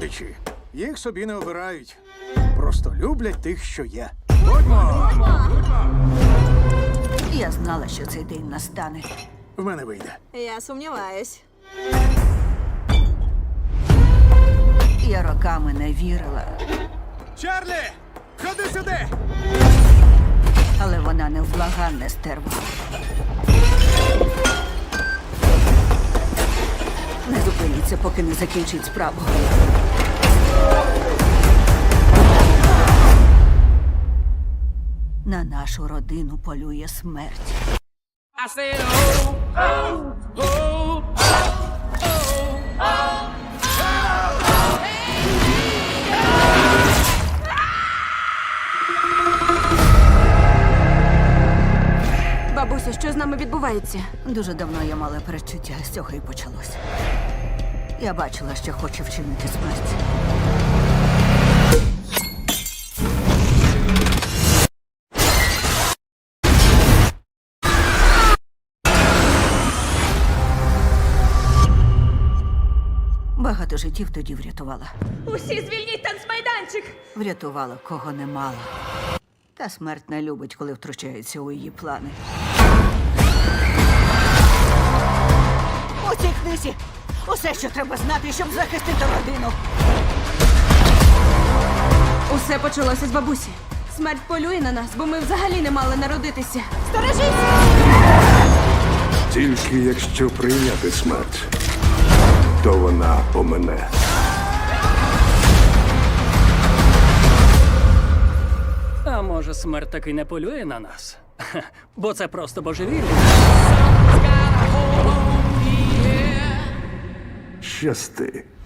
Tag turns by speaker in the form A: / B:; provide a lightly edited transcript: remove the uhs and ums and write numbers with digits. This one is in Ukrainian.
A: речі, їх собі не обирають. Просто люблять тих, що є. Будьмо!
B: Я знала, що цей день настане.
A: В мене вийде.
C: Я сумніваюсь.
B: Я роками не вірила,
A: Чарлі! Ходи сюди!
B: але вона невблаганне стерва. Не зупиніться, поки не закінчить справу. На нашу родину полює смерть.
D: I said, oh, oh, oh,
C: Бабусю, що з нами відбувається?
B: Дуже давно я мала передчуття, з цього і почалось. Я бачила, що хоче вчинити смерть. Багато життів тоді врятувала.
C: Усі звільніть танцмайданчик!
B: Врятувала, кого не мала. Та смерть не любить, коли втручається у її плани. У цій книзі усе, що треба знати, щоб захистити родину.
C: Усе почалося з бабусі. Смерть полює на нас, бо ми взагалі не мали народитися.
E: Тільки якщо прийняти смерть, то вона помине.
D: А може, смерть таки не полює на нас? Хе, бо це просто божевілля.
E: Щасти.